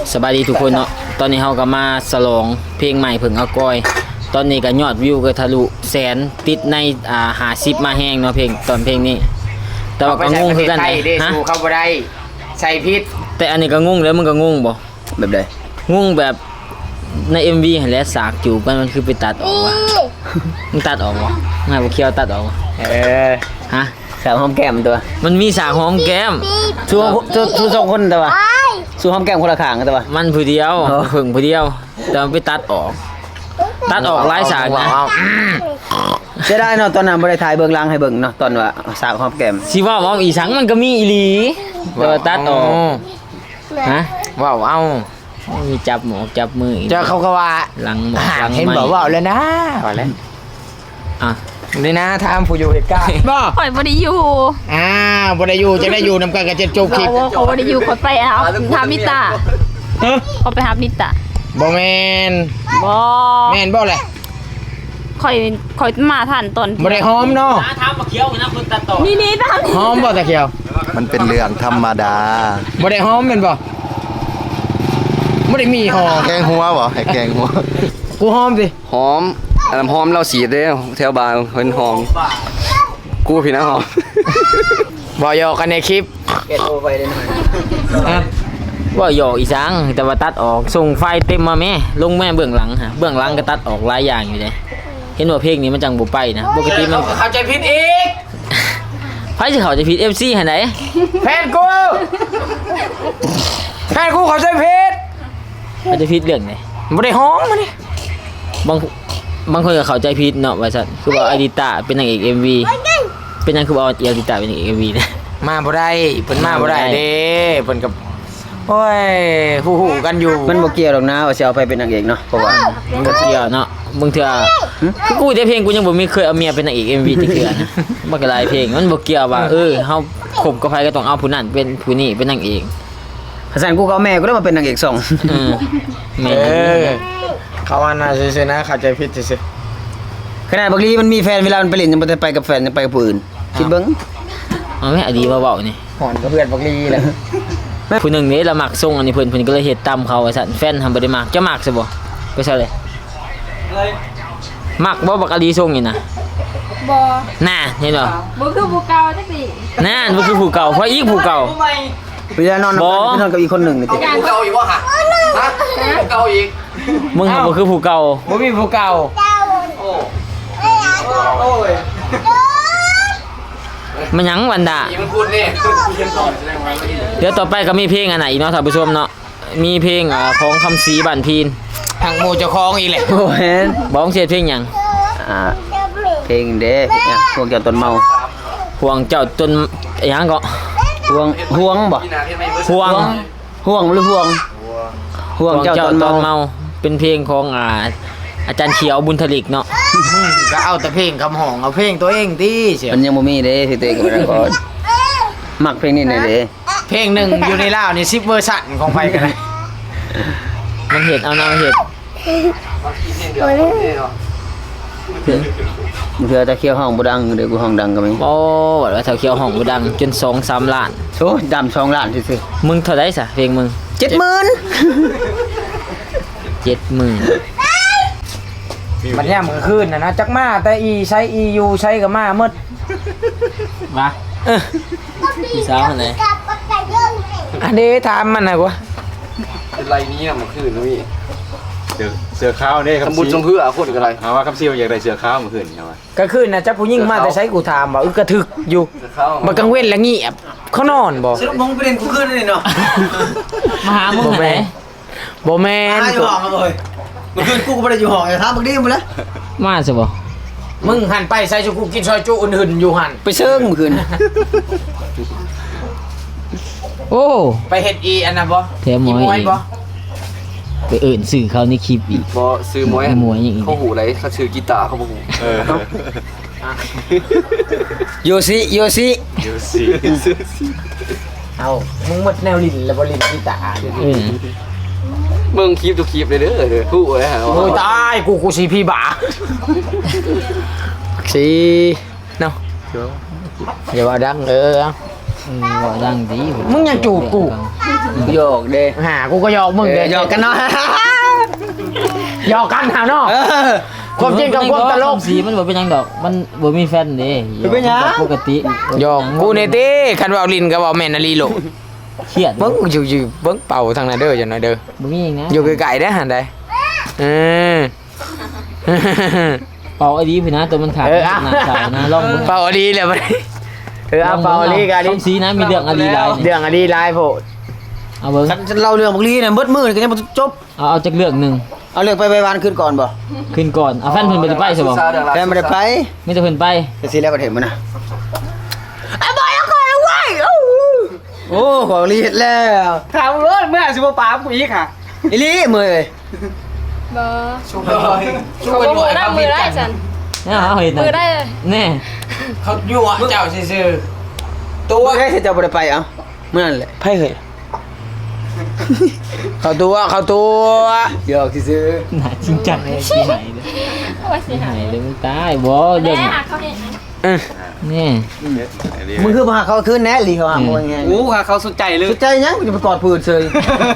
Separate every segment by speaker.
Speaker 1: สบายดีทุกคนเนาะตอนนี้เฮาก็มาฉลองเพลงใหม่เพิ่งเอาก้อยตอนนี้ก็ยอดวิวก็ทะลุแสนติดใน50มาแฮงเนาะเพลงนี้แต่ว่าก็งงคือกันฮะ
Speaker 2: เข้าบ่ได้ใส่พิษ
Speaker 1: แต่อันนี้ก็งงแล้วมึงก็งงบ่
Speaker 3: แบบใด
Speaker 1: งงแบบใน MV หั่นแหละสากจูบมันคือไปตัดออกว่ะมึงตัดออกบ่ง่ายบ่เคียวตัดออกฮะ
Speaker 3: สาวหอมแก้มตัว
Speaker 1: มันมีสากหอมแก้ม
Speaker 3: สู้สองคนแต่ว่าสู้หอมแก้มคนละข้างแต่ว่า
Speaker 1: มันผู้เดียวเพิ่งผู้เดียวแต่มันไปตัดออกหลายสากนะ
Speaker 3: จะได้เนาะตอนนั้นบ่ได้ถ่ายเบื้องหลังให้เบิ่งเนาะตอนว่าสาวหอมแก้ม
Speaker 1: สิว่าอีสังมันก็มีอีหลีแต่ว่าตัดออกฮะว้าวเอามีจับหมอกจับมือ
Speaker 2: เจ้าเขาก็ว่า
Speaker 1: หลังหมอกหลัง
Speaker 2: เห็นบอกว่าเลยนะว่าแล้วนี่นะทำผู้อยู่เหตุการณ์บ่
Speaker 4: ข่อยบ่ได้อยู่
Speaker 2: บ่ได้อยู่จะได้อยู่นำกันกับเจ็ดจบคลิป
Speaker 4: เขาบ่ได้อยู่ข่อยไปเอาทำนิตาเขาไปหานิตา
Speaker 2: บ่แม่นบ่เลย
Speaker 4: ข่อยมาทันตอน
Speaker 2: บ่ได้หอมเนาะ
Speaker 1: ทำมาเคี้ยวนะคนตัดต่อ
Speaker 4: นี่ทำ
Speaker 2: หอมบ่ตะเคียว
Speaker 3: มันเป็นเรื่องธรรมดา
Speaker 2: บ่ได้หอมแม่นบ่ได้มีหอม
Speaker 3: แกงหัวบ่ให้แกงหัว
Speaker 2: กูหอมสิ
Speaker 5: หอมหอมเราสีเด้แถวบ้านเพิ่นหอมกูพี่นะหอม
Speaker 2: บ่ยอกันในคลิป
Speaker 3: เก็บโอไปได้หน่อย
Speaker 1: ว่าหยอกอีสังแต่ว่าตัดออกส่งไฟเต็มมาแม่ลงแม่เบื้องหลังฮะเบื้องหลังก็ตัดออกหลายอย่างอยู่เลยเห็นว่าเพลงนี้มันจังบ่ไปนะปกติมัน
Speaker 2: เข้าใจผิดอีก
Speaker 1: ไผสิเข้าใจผิด MC หั่นไหน
Speaker 2: แฟนกูเข้าใจผิด
Speaker 1: เข้าใจผิดเรื่องไหน
Speaker 2: บ่ได้หอมมานี่
Speaker 1: บางคนก็เข้าใจผิดเนาะว่าซั่นคือว่าอดิตาเป็นนางเอก MV เป็นหยังคือว่าอดิตาเป็นนางเอก MV นะ
Speaker 2: มาบ่ได้เพิ่นมาบ่ได้เด้เพิ่นกับโอ้ยฮู้ๆกันอยู่
Speaker 3: มันบ่เกี่ยวหรอกนะว่าสิเอาไปเป็นนางเอกเนาะเพราะว่า
Speaker 1: มันบ่เกี่ยวเนาะบางเทื่อคือกูได้เพลงกูยังบ่มีเคยเอาเมียเป็นนางเอก MV จักเทื่อนะบ่ก็หลายเพลงมันบ่เกี่ยวว่าเฮาคบกับไผก็ต้องเอาผู้นั้นเป็นผู้นี้เป็นนางเอก
Speaker 3: ฮัสซันกูก็เอาแม่กูได้มาเป็นนางเอกส่ง
Speaker 1: แม่
Speaker 2: เขาว่าน่าซื่อๆนะเข้าใจผิดซื่อ
Speaker 3: ขนาดบักลีมันมีแฟนเวลามันไปเล่นยังบ่ได้ไปกับแฟนยังไปกับผู้อื่นคิดเบิ่ง
Speaker 1: เอาแม่อดีมาเว้านี่
Speaker 2: หอนกับเพื่อนบักลีแหละ
Speaker 1: ผู้หนึ่งนี่ละมักส่งอันนี้เพิ่นก็เลยเฮ็ดตามเขาว่าซั่นแฟนทำบ่ได้มักจะมักซะบ่ไปซะเลยมักบ่บักอดีส่งนี่นะ
Speaker 4: บ่
Speaker 1: น่ะเห็นบ่
Speaker 4: คือผู้เก่าจังซี่
Speaker 1: น่ะบ่คือผู้เก่าเพราะอีกผู้เก่า
Speaker 3: เวลานอนกับอีกคนหนึ่งนี่ติ
Speaker 5: ผู้เก่าอีกบ่ฮะผู้เก่าอีก
Speaker 1: มึงบ่คือผู้เก่า
Speaker 2: บ่มีผู้เก่า
Speaker 5: โอ้ย
Speaker 1: มันหยังวันดา
Speaker 5: มันพูดนี่
Speaker 1: เดี๋ยวต่อไปก็มีเพลงอันไหนอีกเนาะท่านผู้ชมเนาะมีเพลงของคำศรีบ้านพีน
Speaker 2: ทางหมู่เจ้าของอีกแหละ
Speaker 3: โอ้เห็น
Speaker 1: บ้องเสียเพลงหยัง
Speaker 3: เพลงเด้พวกเจ้าต้นเมา
Speaker 1: ห่วงเจ้าจนหยังก็
Speaker 3: ห่วงบ่
Speaker 1: ห่วง
Speaker 3: หรือห่วงเจ้าต้นเมา
Speaker 1: เป็นเพลงของอาจารย์เขียวบุญทลิกเนาะ
Speaker 2: ก็เอาแต่เพลงคำห้องเอาเพลงตัวเองติเสีย
Speaker 3: มันยังบ่มีเด้ที่ตัวเองก็ก่อนมักเพลงนี้หน่อยเด้
Speaker 2: เพลงนึงอยู่ในลาวนี่10เวอร์ชันของไผก็ได้
Speaker 1: มันเฮ็ดเอาเฮ็ด
Speaker 3: เพื่อตะเคียวห้องบ่ดังเดี๋ยวกูห้องดังก็มี
Speaker 1: โอ้ว่าตะเคียวห้องบ่ดังจน 2-3 ล้าน
Speaker 3: โอ้ดำ2ล้านซื่อ
Speaker 1: ๆมึงเท่าใดซะเพลงมึง
Speaker 3: 70,000
Speaker 2: มันแย่มื้อคืนน่ะนะจักมาแต่ใช้ EU ใช้กับมาหมด
Speaker 1: มาพี่สาวอันไหน
Speaker 2: อันนี้ถามมันน่ะกว่า
Speaker 5: เป็นไรนี้น่ะมื้อคืนนี่
Speaker 6: เสือขาวนี่
Speaker 5: ครับบุญสมเพื่อคนกันไร
Speaker 6: เอาว่าคำซีอยากได้เสือขาวเมื่อคืนเอาว่า
Speaker 2: ก็คืนน่ะจักผู้หญิงมาแต่ใช้กูถามว่ากระถึกอยู่มันกลางเว้นแล้วเงียบเขานอนบ่
Speaker 3: สรุปมึงประเด็นกูคืนนี่เนาะ
Speaker 1: มาหามึงไหน
Speaker 2: บ่แม่น
Speaker 3: อยู่ห้องเลยเมื่อคืนกูก็บ่ได้อยู่ห้องถามบักดีหมดแล้ว
Speaker 1: มาซะบ่
Speaker 2: มึงหันไปใส่ชูกูกินซอยจุอื่นๆอยู่หั่น
Speaker 3: ไปเชิงเมื่อคืน
Speaker 1: โอ้
Speaker 2: ไปเฮ็ดอันน่ะบ่
Speaker 1: แถมมวยบ่ไปสื่อเขาในคลิปอีก
Speaker 5: บ่ซื้อมวย
Speaker 1: อย่างอีก
Speaker 5: เขาหูไรเขาซื้อกีตาร์เขาบ่หู
Speaker 3: โยซิ
Speaker 2: เอามึงหมดแนวลิ้นแล้วบ่ลิ้นกีตาร์
Speaker 5: มึงคลิปทุกคลิปเลยเด้อฮู้เลยฮะ
Speaker 2: โอ้ยตายกูสิพี่บ่าสิเนาะอย่าว่าดัง
Speaker 1: ว่าดังดี
Speaker 2: มึงยังจูบกู
Speaker 3: โยกเด้
Speaker 2: หากูก็หยอกมึงเด้
Speaker 3: หยอกกันเนาะ
Speaker 2: หยอกกันหาเนาะ
Speaker 3: เออ
Speaker 2: ความจริงกับความตลก
Speaker 1: สีมันบ่เป็นหยังดอกมันบ่มีแฟนเด้
Speaker 3: เป็นหยัง
Speaker 1: ปกติ
Speaker 2: หยอกกูเนติคันว่าลินก็บอกแม่นอลีโลก
Speaker 1: เครียด
Speaker 2: เบิ่งอยู่เบิ่งเป่าทางนั้นเด้อจังหน่อยเด้อ
Speaker 1: บ่มีหยังนะ
Speaker 2: อยู่ไกลๆได้อหันได้เออ
Speaker 1: เป่าไอ้ดีพี่นะตัวมันขาด
Speaker 2: เออเอา
Speaker 1: หน้าสาวนะลองเบิ่ง
Speaker 2: เป่าอดีเลยบัดนี้เอาเป่าอดีกันดิ
Speaker 1: สีนะมีเรื่องอดีหลายนี่
Speaker 2: เรื่องอดีหลายโพด
Speaker 1: เอาเบิ่ง
Speaker 3: คันเล่าเรื่องบักลีน่ะเบิดมื้อนี่ก็ยังบ่จบ
Speaker 1: เอาจักเรื่องหนึง
Speaker 3: เอาเรื่องไปวานขึ้นก่อนบ่
Speaker 1: ขึ้นก่อนเอาแฟนเพิ่นบ่ได้ไปใช่บ่
Speaker 3: แฟนบ่ได้ไป
Speaker 1: มีแต่เพิ่นไป
Speaker 3: แต่สิแล้วบ่เห็นมันน่ะไอ้บอยเอาก่อนเอาไว้โอ้บักลีเฮ็ดแล้ว
Speaker 2: ถามรถเมื่อสิบ่ปากูอีกค่ะ
Speaker 3: อีหลีมื้อเอ้ย
Speaker 4: บ่เขาบ่มือได้มือได้ฉัน
Speaker 1: เนี่ยเอาเห็นน่ะ
Speaker 4: มือได้เลย
Speaker 1: แน่
Speaker 2: เขายั่วเจ้าซื่อๆ
Speaker 3: ตัวได้สิเจ้าบ่ได้ไปเอ้ามื้อนั้นแหละ
Speaker 2: ไพ่เคยเขาตัว
Speaker 3: หยอกซื่อ
Speaker 1: หน้าจริงจังเลยสิหายเลย
Speaker 4: ว่าสิ
Speaker 1: สิ
Speaker 4: หา
Speaker 1: หายเลยมึงตายบ่เรื่อง
Speaker 4: แม่เขาเห็น
Speaker 1: นี่
Speaker 3: ๆมึงคือมาหาเขาคืนแน่ลีเขาหาบ่ยังไง
Speaker 2: อู้ค่ะเขาสนใจเลย
Speaker 3: สุดใจยังกูจะไปกอดปืนเฉย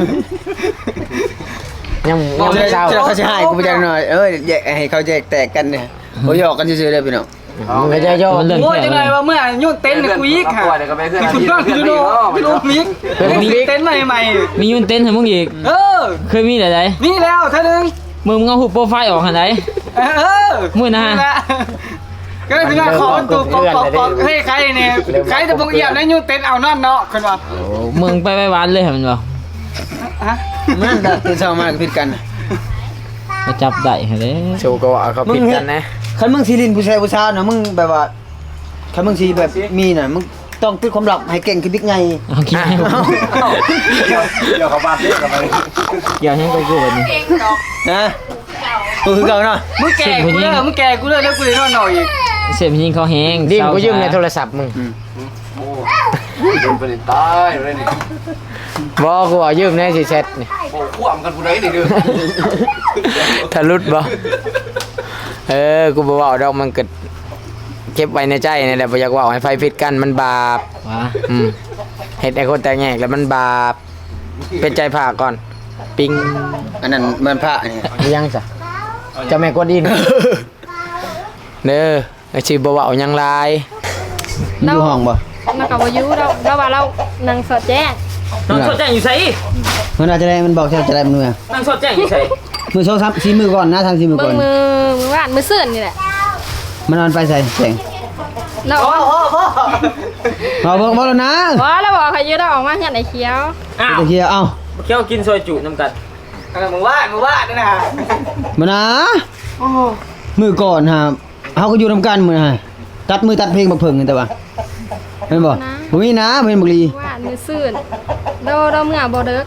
Speaker 2: ยัง
Speaker 3: เจ้า
Speaker 2: ไม่เศร้า
Speaker 3: เขาจะให้กูไปจังหน่อยแยกให้เขาแยกแตกกันเนี่ยเขาหยอกกันซื่อๆเลยพี่น้อง
Speaker 2: ไม่ใช่โย
Speaker 1: มันเรื่อง
Speaker 2: โอ้ย
Speaker 1: แค่
Speaker 2: จัง
Speaker 1: เล
Speaker 2: เลย ยว่าเมื่อยุ่งเต้นเนี่ยกูอีกค่ะ
Speaker 5: เดี๋ยวก็ไปเพื่อน
Speaker 2: คุณบ้างพี่โดพี่โดมิกเต้นใหม่
Speaker 1: มียุ่นเต้นให้มึงอีก
Speaker 2: ๆเออ
Speaker 1: เคยมีหลาย
Speaker 2: นี่แล้วท่านึง
Speaker 1: ๆมึงเอาหูโปรไฟล์ออกหั่นได
Speaker 2: เออ
Speaker 1: มื้อนะฮะ
Speaker 2: ก็ถึงว่าขอตัวกอกให้ใครเนี่ยใครจะบงเอี่ยมแล้วยุ่งเต้นเอานั่นเนาะคนว่า
Speaker 1: โอ้มึงไปไว้หวานเลยให้มันบ่
Speaker 2: ฮะ
Speaker 3: มันดัดตื่นเช้ามาก็ผิดกัน
Speaker 1: มาจับได้ให้เด้
Speaker 2: โชว์ก็ว่าเขาผิดกันนะ
Speaker 3: คันมึงซีลินผู้ชายผู้สาวนะมึงแบบว่าคันมึงซีแบบมีน่ะมึงต้องปิดความลับให้เก่งคือบิ๊กไง
Speaker 1: เอาคิดให้กู
Speaker 6: เดี๋ยวเขาบ้านเรียกกันไป
Speaker 1: อย่าให้กูกูแบบนี้
Speaker 3: นะกูคือเก่าเนาะ
Speaker 2: มึงแก่กูเลยมึงแก่กูเลยแล้วกูเลยนอนหน่อยอีก
Speaker 1: เสียบยิงเขาแห้ง
Speaker 2: ดิมกูยืมในโทรศัพท์มึง
Speaker 5: โดนเป็นตายเลยนี่
Speaker 2: บอกกูเอายืมในสิแชทนี่
Speaker 5: โอ้ขวามกันผู้ใดนี่เด้อ
Speaker 2: ทะลุดบ่กูบ่เว้าดอกมันก็เก็บไว้ในใจนี่แหละบ่อยากเว้าให้ไฟผิดกันมันบาป
Speaker 1: ว้า
Speaker 2: เฮ็ดให้คนแตกแยกแล้วมันบาปเป็นใจผ่าก่อนปิง
Speaker 3: อันนั้นมันพระเนี่ย
Speaker 2: ยังซะเจ้าแม่กวนอิมเด้อไอ้สิบ่เว้าหยังหลาย
Speaker 3: อยู่ห้องบ่
Speaker 4: มันก็บ่อยู่เราว่าเรานั่งสอดแจ้ง
Speaker 1: น้องสดแจ้งอยู่ไส
Speaker 3: มันอาจจะได้มันบอกจะได้มันเมื่อ
Speaker 1: น้องสดแจ้งอยู่ไส
Speaker 3: มือ2 3 4มือก่อนนะทาง4มือ
Speaker 4: เบิ่
Speaker 3: ก่
Speaker 4: ง
Speaker 3: อน
Speaker 4: มือว่านมือซื่นนี่แหละ
Speaker 3: มันนอนไปใส่แสง
Speaker 4: เราว่า
Speaker 3: เอาเบิ่งบ่แล้วนะ
Speaker 4: ว่าเราบอกเขาอยู่เราออกมาเฮือนไอ้เขียว
Speaker 1: อ้าว
Speaker 3: ตะเคียวเอ้า
Speaker 1: เคี้ยวกินซอยจุน้ำกัน
Speaker 2: มึงว่าด้วยนะ
Speaker 3: มานะมือก่อนฮะเฮาก็อยู่นำกันมื้อนะตัดมือตัดเพลงบักเพิ่งนี่แต่ว่าเห็นบ่บ่มีนะบ่เห็นบักลี
Speaker 4: ว่านมือซื่นเราเมื่อบ่เด้อ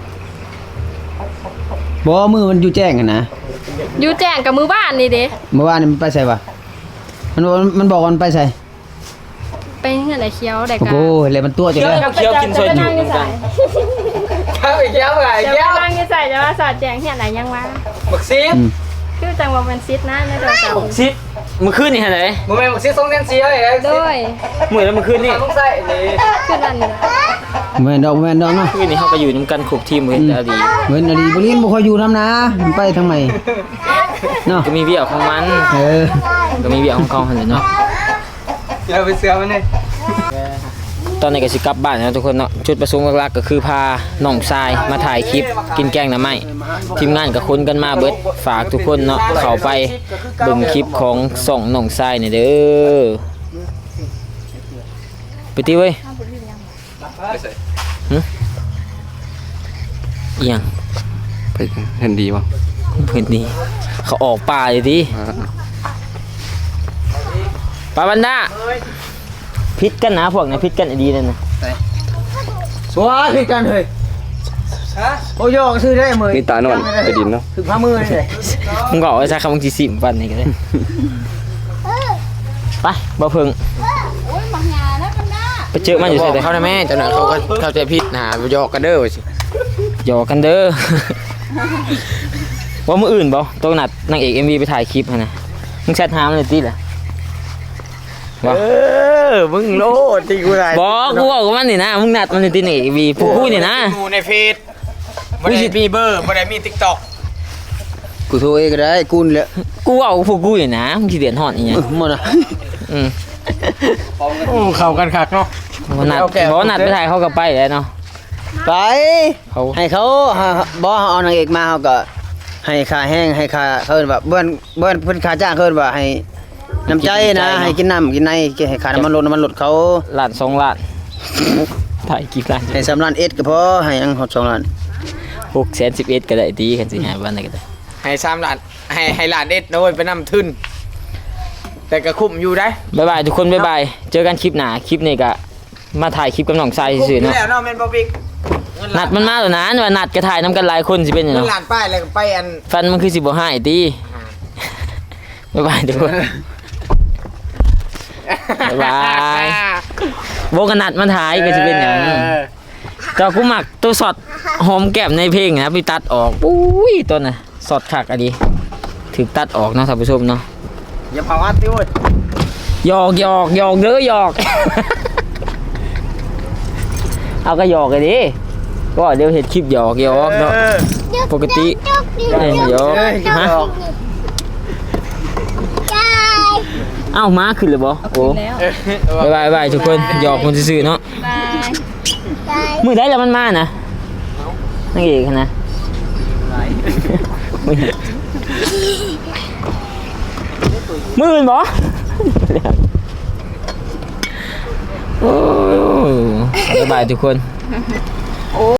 Speaker 3: บ่มือมันอยู่แจ้งกันนะ
Speaker 4: อยู่แจ้งกับมือบ้านนี่เด้
Speaker 3: เมื่อวานนี่มันไปใส่ปะมันบอกว่ามันไปใส่
Speaker 4: ไปเฮือนไอ้เขียวได้
Speaker 3: โอ้
Speaker 4: กั
Speaker 3: โหเลยมันตัวจังเลย
Speaker 1: เคี้ยวกินซอยจุน้ำกัน
Speaker 2: เข้าอีกแล้วไง
Speaker 4: จะ
Speaker 2: แก้ว
Speaker 4: มานั่งอยู่ใส่จะมาสอดแจ้งเฮือนไหนยังวะ
Speaker 2: บักซีด
Speaker 4: คือจังว่ามันซิดนะในโทรศัพท์
Speaker 1: ซิดมื้อคืนนี่หั่นได
Speaker 2: มึงแม่บักซีด2เซนซีเลย
Speaker 4: โดย
Speaker 1: มื้อแล้วมื้อคืนนี่
Speaker 2: ต้องใส่นี่
Speaker 4: คือนั่นนี่ล่ะ
Speaker 3: แม่นดอกเนาะ
Speaker 1: คืนนี้เฮาก็อยู่นํกันครบทีมเว้ยแต่อดี
Speaker 3: เว้นอดีบรินบ่ค่อยอยู่น้ำนะมันไปทางไหนเนาะ
Speaker 1: ก็มีเวียของมัน ก็มีเวียของเขาหั่นแหละเนาะ
Speaker 2: อย่าไปเสือมันนี่
Speaker 1: ตอนนี้ก็สิกลับบ้านนะทุกคนเนาะจุดประสงค์หลักๆก็คือพาน้องทรายมาถ่ายคลิปกินแกงหน่อไม้ทีมงานก็คนกันมาเบิดฝากทุกคนเนาะเข้าไปเบิ่งคลิปของส่องน้องทรายนี่เด้อไปติเว้ย
Speaker 5: ไปใส่
Speaker 1: อีหยัง
Speaker 5: ไปเห็นดีป่ะ
Speaker 1: เพิ่นนี่เขาออกป่าเลยดิปาบันดาพิษกันนะพวกนี้พิษกันดีนั่นนะ
Speaker 3: สวัสดีกันเฮ้ยโอ้ยอกซื้อได้มื้อ
Speaker 5: นี่ตานอนไปดินเนาะ
Speaker 3: คือพามือนี่เลย
Speaker 1: มึงก็เอาไว้ซะคำมึงสิสิมปันนี่ก็ได้ไปบ่เพิ่งไปเจอมันอยู่
Speaker 2: บ
Speaker 1: ใส่
Speaker 2: อก
Speaker 1: แต่
Speaker 2: เขานะแม่เจ้าหน่อยเขาก็เข้าใจผิดนะหยอกกันเด้อว่าสิ
Speaker 1: หยอกกันเด้อ ว่ามื้ออื่นบ่ต้องนัดนางเอก MV ไปถ่ายคลิปหั่นน่ะมึงแชทหามันเลยติล่ะว่า
Speaker 2: มึงโลดที่กูได้
Speaker 1: บอกกูบอกกับมันนี่นะมึงนัดมันในตีนี่วีพวกกูนี่นะ
Speaker 2: กูในเฟซบ่ได้มีเบอร์บ่ได้มี TikTok
Speaker 3: กูโทรเองก็ได้กูนี่แหละ
Speaker 1: กูเอาพวกกูนี่นะมึงสิเดือดร้อนอีหยัง
Speaker 3: หมดอ่ะ
Speaker 1: อืม
Speaker 2: โอ้เข้ากันคักเนาะ
Speaker 1: บ่นัดบ่นัดไปถ่ายเขาก็ไปแล้วเนาะ
Speaker 3: ไป
Speaker 1: เขา
Speaker 3: ให้เขาบ่เอานางเอกมาเขาก็ให้ค่าแห้งให้ค่าเขาเอิ้นว่าเพิ่นค่าจ้างเขาเอิ้นว่าให้น้ำใจนะให้กินน้ำกินในให้ค่าน้ำมันรถเขา
Speaker 1: ล้าน2ล้านถ่ายกี่ล้าน
Speaker 3: ให้3ล้านเอ็ดก็พอให้อังฮอด2ล้าน
Speaker 1: 611ก็ได้ดีกันสิหาบ้านไหนก็ได้
Speaker 2: ให้3ล้านให้ล้านเอ็ดโดยไปนำทุน แต่ก็คุ้มอยู่ได้
Speaker 1: บ๊ายบายทุกคนบ๊ายบายเจอกันคลิปหน้าคลิปนี้ก็มาถ่ายคลิปกับน้องชายซื่อๆเนาะ
Speaker 2: แล้วเนาะแม่นบ่บิ๊ก
Speaker 1: นัดมันมาแล้วนะว่านัดก็ถ่ายนํกันหลายคนสิเป็นหยัง
Speaker 2: เงิน
Speaker 1: เนาะ
Speaker 2: ล้านป้ายแล้วก็ไปอัน
Speaker 1: ฟันมันคือสิบ่หายติบ๊ายบายทุกคนบ๊ายบายบ่กันนัดมันถ่ายก็สิเป็นหยังแต่กูมักตัวช็อตหอมแก้มในเพลงนะไปตัดออกปุ้ยตัวน่ะช็อตคักอะดีถึกตัดออกเนาะท่านผู้ชมเนาะ
Speaker 2: อย่าเผาอัดติโอ้ย
Speaker 1: หยอกเด้อหยอก เอาก็หยอกกันดิก็เดี๋ยวเห็นคลิปหยอกเนาะปกติหยอกฮะเอ้าม้าขึ้นเลยบ่โอ้บายบายทุกคนหยอกคนซื่อๆเนาะ
Speaker 4: บาย
Speaker 1: มือได้แล้วมันมานะนั่งเอกนะมือมันบ่โอ้บายบายทุกคน